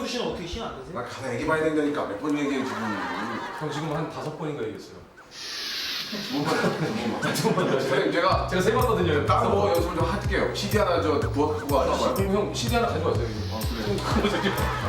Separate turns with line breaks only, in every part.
박명수 씨는 어떻게 시간 안 되세요?
나 가서 애기 봐야 된다니까 몇 번 얘기해 지금.
형 지금 한 5번인가 얘기했어요.
두 번. 선생님 제가
제가 세봤거든요.
다른 거 연습을 좀 할게요. CD 하나 저 구워 갖고 와서.
그럼 형 CD 하나 가져왔어요. 아 그래. 그거 저기.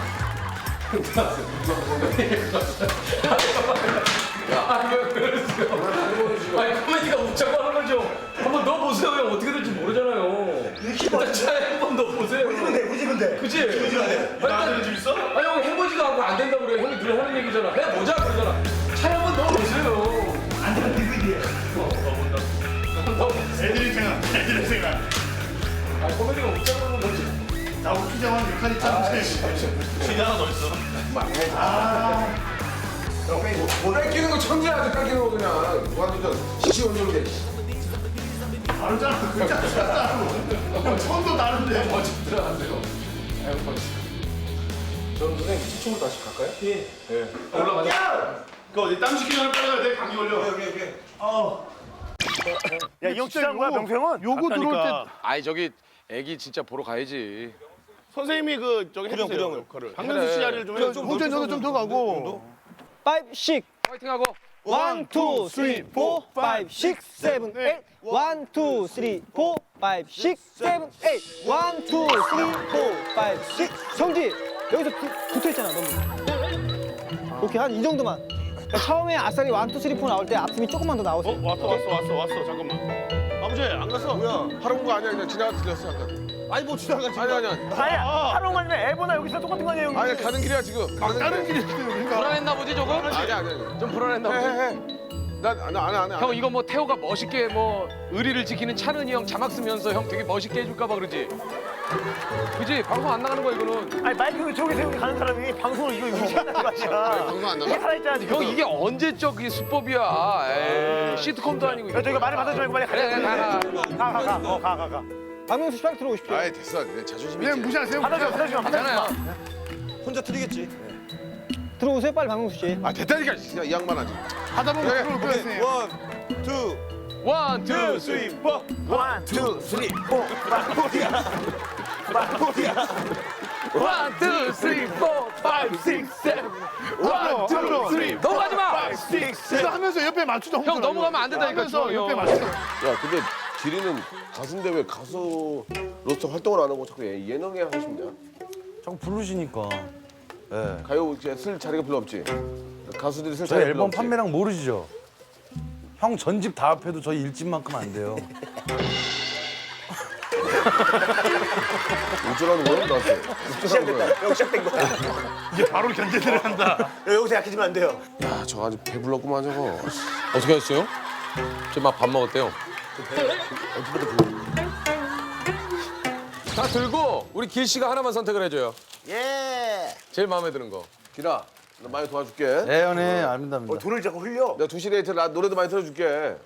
아니 코미디가 웃자고 하는 거죠. 한번 넣어보세요. 형 어떻게 될지 모르잖아요. 일단 차에 한번 넣어보세요.
후지근데.
그치? 나한테 좀 있어? 아니 형 해보지도 않고 안 된다고 그래. 형이 늘 하는 얘기잖아. 해보자 그러잖아. 차에 한번 넣어보세요.
안 되면 DVD에.
애들이 생각.
아니 코미디가 웃자고 하는 거지.
나 웃기자고 하는 역할이 짱 CD 하나 더 있어.
뺏기는 거 천재야. 뺏기는 거 그냥 완전 시시원적인데.
다르잖아. 그 짱짱. 처음도 다른데.
멋지더라 안 돼요. 아유 멋있어. 저는 선생님 시청으로 다시 갈까요?
예.
네. 올라가자.
그 어디 땀 식히기 전에 빨리 가야 돼. 감기 걸려.
야, 이 형 진짜 한 거야, 명수 형은?
요거 들어올 때
아니 저기 애기 진짜 보러 가야지.
선생님이 그 저기 해주세요. 역할을. 박명수 씨 자리를 좀 해줘.
홍준 너도 좀 더 가고.
5, 6,
파이팅하고.
1, 2, 3, 4, 5, 6, 7, 8. 1, 2, 3, 4, 5, 6, 7, 8. 1, 2, 3, 4, 5, 6. 성지, 여기서 붙어있잖아, 너무. 오케이, 한 이 정도만. 그러니까 처음에 아싸리 1, 2, 3, 4 나올 때 앞숨이 조금만 더 나오세요.
왔어. 잠깐만. 아버지 안 갔어?
뭐야? 하러 온 거 아니야. 그냥 지나가 들렸어 잠깐.
아니, 뭐 지나가지.
아니야.
아니야, 하루 만이면 애보나 여기서 똑같은 거 아니에요, 형님?
아니야 가는 길이야 지금.
다른 길이 그러니까.
불안했나 보지 저거?
아니야.
좀 불안했나 보지.
해. 나안 해.
형 이거 뭐 태호가 멋있게 뭐 의리를 지키는 찬은이 형 자막 쓰면서 형 되게 멋있게 해줄까 봐 그러지. 그지? 방송 안 나가는 거야 이거는.
아니, 마이크 저기 세우고 가는 사람이 방송을 이거 유지하는 거 아니야.
방송 안 나가?
이게 살아있잖아, 지금.
형 이게 언제적 이 수법이야. 에이, 시트콤도 아니고.
야, 저희가 말을 받아주지 말고 빨리
그래, 가.
가.
박명수 씨 빨리 들어오십시오.
아이 됐어. 내 자존심이.
그냥 무시하세요.
받아주지 마.
괜찮아요.
혼자 틀리겠지.
들어오세요, 빨리 박명수 씨.
아 됐다니까. 진짜 이 양반 아직.
하다 보면
그래.
그럴 거야, 선생님.
1, 2, 3.
1, 2, 3, 4.
1, 2, 3, 4, 5, 6, 7. 1, 2, 3. 넘어가지 마.
이거 하면서 옆에 맞추자.
형 넘어가면 안 된다니까.
하면서
주영이
옆에
형.
맞추자.
야 근데 지리는 가수인데 왜 가수로서 활동을 안 하고 자꾸 예능에 하십냐?
자꾸 부르시니까. 예.
가요 이제 쓸 자리가 별로 없지. 가수들이 쓸
저희
자리가 별로
앨범
없지.
판매량 모르시죠? 형 전집 다 합해도 저희 일집만큼 안 돼요.
어쩌라는 거야 나한테? 어쩌라는 거야?
여기 시작된 거야.
이제 바로 견제 들어간다.
여기서 약해지면 안 돼요.
야 저 아주 배불렀구만 저거.
어떻게 하셨어요? 저 막 밥 먹었대요. 다 들고 우리 길 씨가 하나만 선택을 해줘요.
예.
제일 마음에 드는 거.
기라 나 많이 도와줄게.
네, 연애 압니다.
돈을 자꾸 흘려.
내가 2시 데이트 나 노래도 많이 틀어줄게.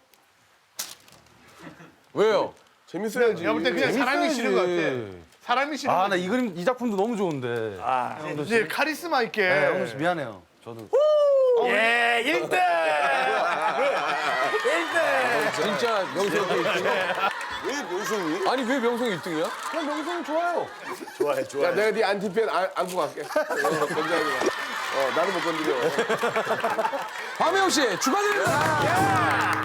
왜요?
재밌어야지.
내가 볼 때 그냥 사람이 싫은 것 같아. 사람이 싫은 것
아,
같아.
나 이 그림, 이 작품도 너무 좋은데.
이제 카리스마 있게.
네, 형도 씨 미안해요. 저도.
예, 1등!
진짜 명성이 1등?
왜 명성이?
아니 왜 명성이 1등이야?
그냥 명성이 좋아요.
좋아해.
야 내가 네 안티팬 안고 갈게. 건장이야. 나는 못 건드려.
박명호 씨 축하드립니다.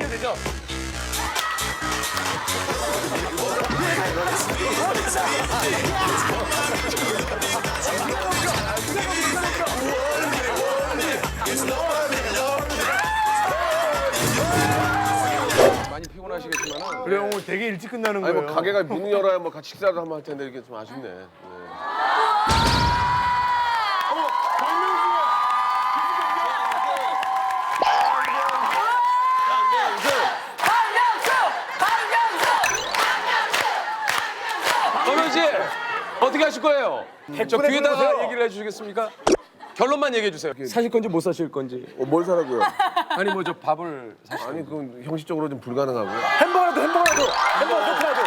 많이 피곤하시겠지만은
그래 오늘 되게 일찍 끝나는
아니
거예요.
뭐 가게가 문을 열어야 뭐 같이 식사를 한번 할 텐데 이게 좀 아쉽네. 네.
박명호 씨 어떻게 하실 거예요? 저
백분의
귀에다가
불러보세요.
얘기를 해주시겠습니까? 결론만 얘기해 주세요. 사실 건지 못 사실 건지.
뭘 사라고요?
아니 뭐 저 밥을 사실.
아니 그건 형식적으로 좀 불가능하고.
햄버거라도. 햄버거 세트라도.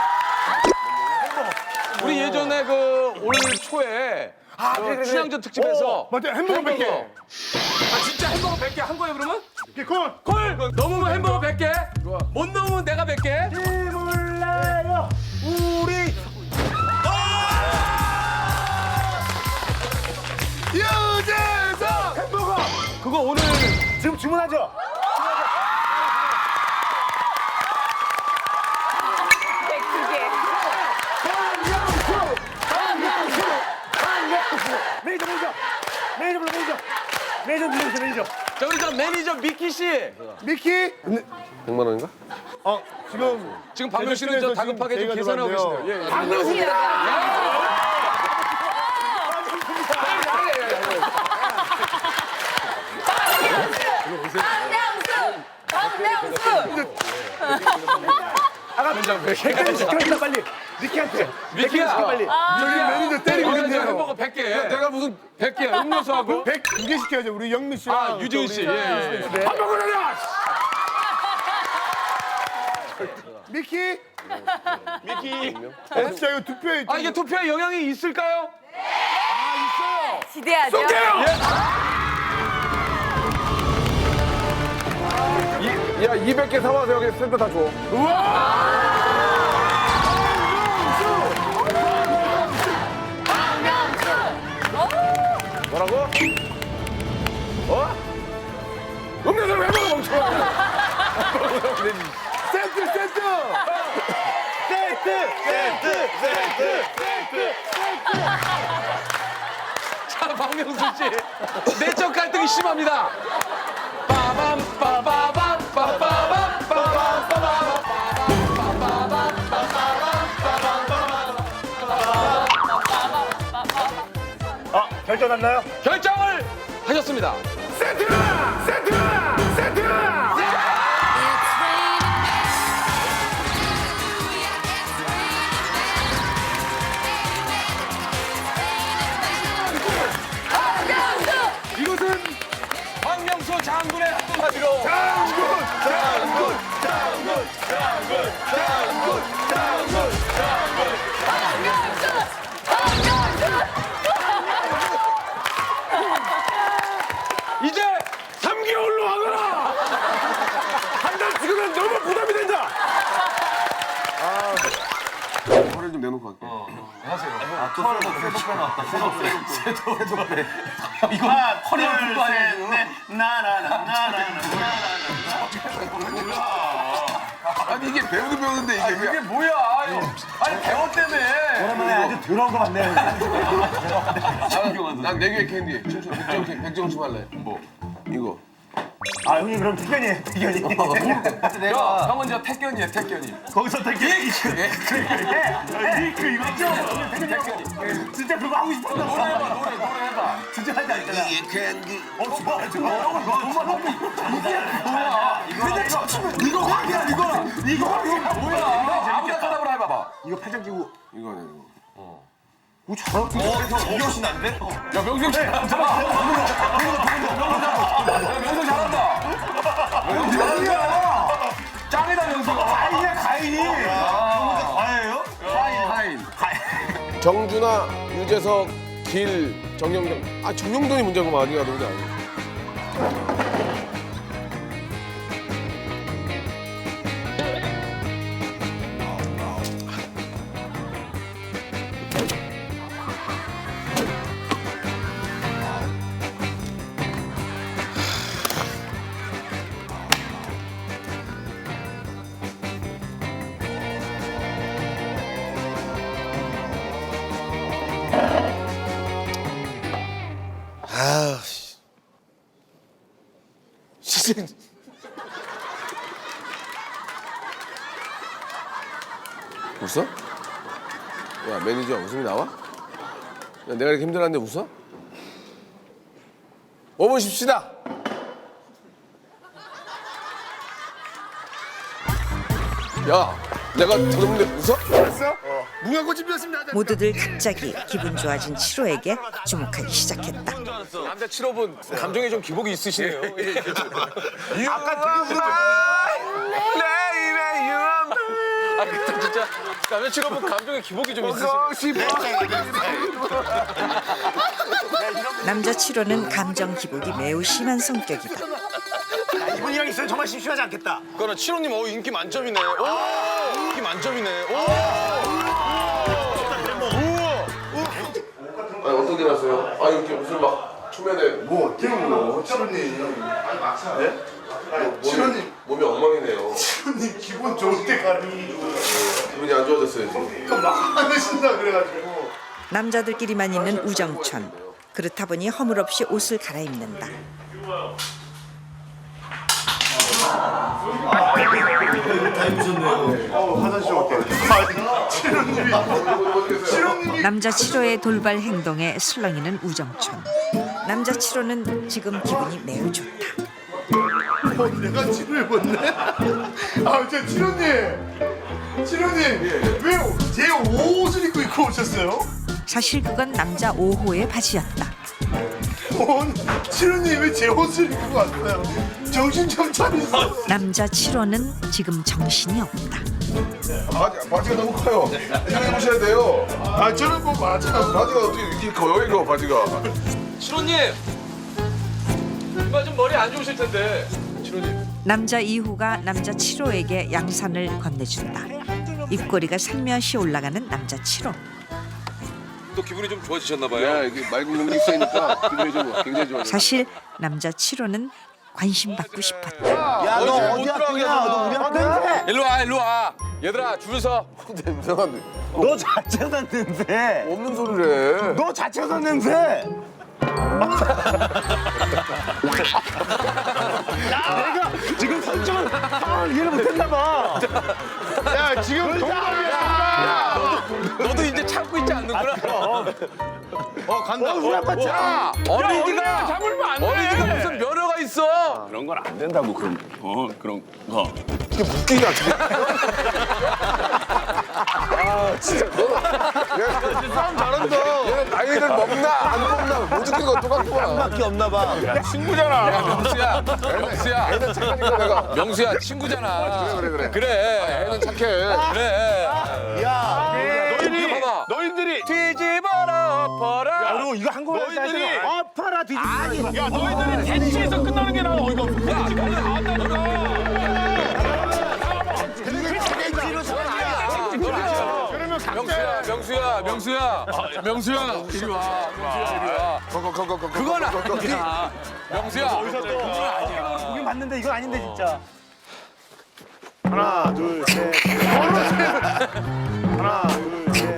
우리 예전에 그 올 초에
그래.
춘향전 특집에서
맞아 햄버거 100개.
아 진짜 햄버거 100개 한 거예요 그러면?
콜.
콜! 넘으면 햄버거 100개 못 넘으면 내가 100개
몰라요. 우리
오늘
지금 주문하죠? 매니저 불러주세요.
자 우리 저 매니저 미키 씨.
미키
100만 원인가?
지금 박명 씨는 저 다급하게 좀 계산하고 계시네요. 예, 예.
백개 시켜 빨리. 미키한테.
미키야.
시켜 빨리. 저기 매니저 때리고 있는데요.
햄버거 100개.
내가 무슨
100개 음료수하고
102개 시켜야죠. 우리 영미 씨랑
유지은 씨. 예, 예.
햄버거 내려. 미키. 진짜 이거 투표에
아 이게 투표에 영향이 있을까요?
기대하죠.
야 200개 사와서 여기 센터 다 줘. 뭐라고? 어? 음료수를 왜 먹어 멍청아?
세트.
자 박명수 씨 내적 갈등이 심합니다. 빠밤 빠바밤 빠바밤 빠밤
결정 났나요?
결정을 하셨습니다. 이것은 박명수 장군의 한마디로 이제 3개월로 하거라. 한 달 지금은 너무 부담이 된다.
화를 좀 내놓고 할게. 아니 이게 배우도 배우는데 이게 왜?
뭐야? 아니 대원 때문에.
오랜만에 아주 더러운 거 같네요.
난 4개의 캔디. 백정수 할래. 뭐? 이거.
아 형님 그럼 태견이에요.
형은 저 태견이에요. 태견이.
거기서 태견이. 그 이거 있죠? 진짜 그거 하고 싶었나 봐.
노래 해봐.
진짜 할때 있잖아. 이거
뭐야? 아무나 대답을 해봐봐.
이거 팔짱 끼고
이거 아니야 이거.
야 명수 잘한다. 명수 잘한다. 명수 잘한다. 짱이다 명수.
가인이야 가인이. 가인이에요?
하인.
정준하, 유재석, 길, 정영돈. 아 정영돈이 문제구만. 아니야 누구냐. 아, 진짜. 웃어? 야 매니저 웃음이 나와? 야, 내가 이렇게 힘들었는데 웃어? 5분 쉽시다. 야, 내가 들었는데 웃어?
모두들 갑자기 기분 좋아진 7호에게 주목하기 시작했다.
남자 7호분 감정에 좀 기복이 있으시네요.
아까 되게
아 근데 진짜 남자 7호분 감정에 기복이 좀 있으시네요.
남자 7호는 감정 기복이 매우 심한 성격이다.
이분이 형 있으면 정말 심심하지 않겠다.
그거는 7호님 인기 만점이네. 인기 만점이네.
아니 어떻게 났어요? 아 이렇게 무슨 막 초면에
뭐 어때요 뭐 치료님 예? 치료님
몸이 엉망이네요.
치료님 기분 좋을 때 가니
기분이 안 좋아졌어요 지금.
그러니까 막 안 하신다 그래가지고
남자들끼리만 있는 우정촌. 그렇다 보니 허물없이 옷을 갈아입는다.
화장실 올게 치료님이
남자 7호의 돌발 행동에 술렁이는 우정촌. 남자 7호는 지금 기분이 매우 좋다.
내가 치료해봤네 아저 치료님 왜 제 옷을 입고 오셨어요?
사실 그건 남자 5호의 바지였다.
치료님 왜 제 옷을 입고 왔어요? 정신 좀 차리세요
남자 7호는 지금 정신이 없다.
바지가 너무 커요. 입으셔야 돼요.
아 저는 뭐 맞아
바지가 어떻게 이렇게 커요 이거 바지가.
신호님 이마 좀 머리 안 좋으실 텐데. 신호님.
남자 2호가 남자 7호에게 양산을 건네준다. 입꼬리가 살며시 올라가는 남자 7호.
또 기분이 좀 좋아지셨나 봐요.
야 이게 맑은 공기 있으니까 기분이 좀 굉장히 좋아요.
사실 남자 7호는 관심 받고 싶었다.
야, 너 어디 학교냐? 너 우리 학교야?
일로 와. 얘들아 줄 서.
냄새가
너 자체가 냄새.
없는 소리를 해.
너 자체가 냄새. 내가 지금 설정을 이해를 못했나 봐.
야 지금 동갑이야
너도 이제 참고 있지 않는구나.
간다
우리 아빠 참.
어린이가 잡으면 안 돼. 어린이가 무슨 면허가 있어.
그런 건 안 된다고 그런 그런 거.
이게 웃기냐 지금. 아 진짜 너.
싸움 잘한다
얘는 나이를 먹나 안 먹나 못 웃긴 건 똑같구나.
밖에 없나 봐.
친구잖아. 야 명수야.
애는 착하니까 내가.
명수야 친구잖아.
그래. 애는 착해.
그래.
야,
봐봐.
너희들이
뒤집어라 엎어라.
너 이거 한국어
너희들이
아파라 뒤집어.
야 너희들이 대치에서 끝나는 게 나아 어이가 없어. 야 지금 나왔다니까.
명수야 이리 와. 그건 아니야. 명수야.
보긴 봤는데 이건 아닌데 진짜.
하나 둘셋 하나 둘셋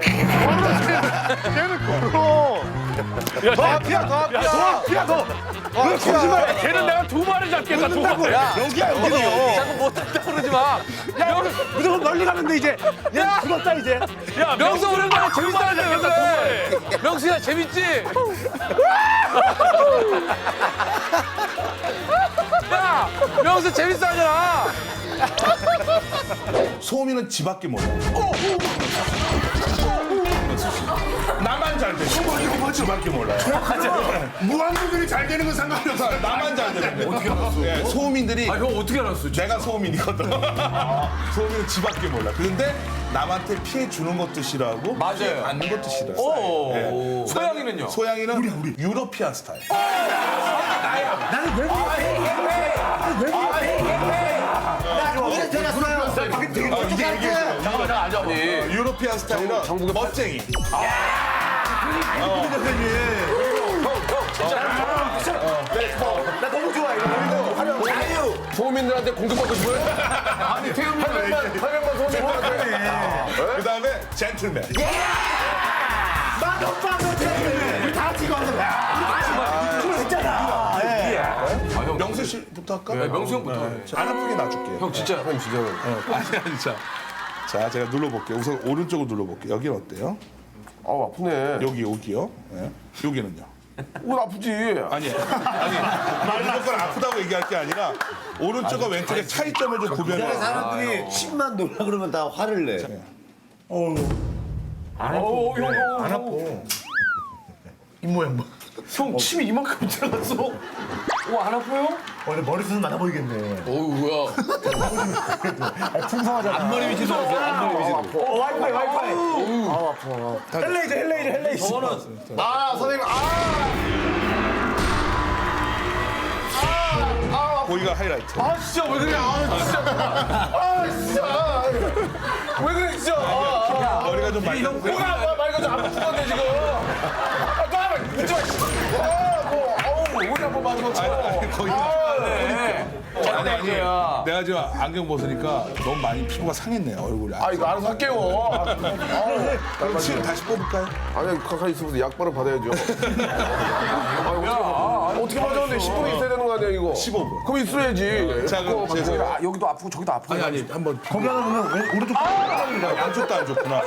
걔는 걸어 더 앞이야 더
거짓말해. 걔는 내가 두 마리 잡겠다. 두 마리.
여기야 여기도.
자꾸 못한다 그러지 마.
무조건 멀리 가는데 이제. 얘 죽었다 이제.
야
명수 오랜만에 재밌다는데 왜 그래? 명수야 재밌지? 야 명수 재밌어 하잖아.
소음이는 지 밖에 몰라.
나만 잘 돼. 이거 지 밖에 몰라요. 무한도전이 잘 되는 건 상관이 없어.
나만 잘 되는데. 어떻게 알았어? 소음인들이
형 어떻게 알았어?
내가 소음인이거든. 소음이는 지 밖에 몰라. 그런데 남한테 피해 주는 것도 싫어하고
맞아요.
피해 받는 것도 싫어요.
오. 소양이는요?
소양이는 우리. 유러피안 스타일. 유러피안 스타일은 멋쟁이.
나 너무 좋아 이거.
소민들한테 공격받고 싶어요? 아니 태음만 소민들한테.
그다음에 젠틀맨.
우리 다 같이 이거 하는 거야. 우리 했잖아.
명수 씨부터 할까?
네, 명수 형부터.
안 아프게 놔줄게.
형 진짜.
형 진짜.
아니 자. 자, 제가 눌러볼게요. 우선 오른쪽으로 눌러볼게요. 여기는 어때요?
아프네.
여기요. 네. 여기는요.
옷 아프지.
아니, 무조건 아프다고 얘기할 게 아니라 오른쪽과 왼쪽의 차이점을 좀 구별해.
사람들이 침만 놀라 그러면 다 화를 내.
안 아파.
형 침이 이만큼 들어갔어. 와 안 아파요?
원래 머리숱은 많아 보이겠네.
어우 뭐야.
풍성하잖아.
앞머리 밑이 들어갔어. 앞머리 밑이 들어갔어.
와이파이. 헬레이저.
저거는
아 선생님
거기가 하이라이트.
아 진짜 왜 그래? 아 진짜. 왜 그래 진짜.
머리가 좀 많이.
뭐야 말가 좀 아파 죽었네 지금. 아 또 하면 웃지 마.
거의. 아니, 내가 지금 안경 벗으니까 너무 많이 피부가 상했네, 얼굴이.
아, 이거 알아서 할게요.
그럼 침 다시 뽑을까요?
아니, 가까이 있으면서 약발을 받아야죠. 어떻게 맞았는데 10분이 있어야 되는 거 아니야, 이거?
15분.
그럼 있어야지.
자, 그럼 제가.
아, 여기도 아프고 저기도 아프고.
아니, 한번.
거기 하나 보면 오른쪽
양쪽도 안 좋구나.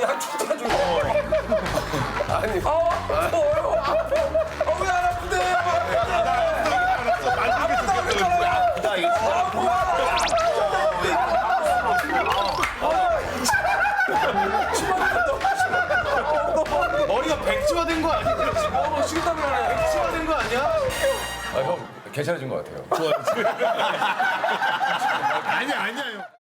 머리가 백지화된 거 아니야? 지금 식은땀이 나네. 백지화된 거 아니야? 아, 형 괜찮아진 것 같아요.
아니야, 형.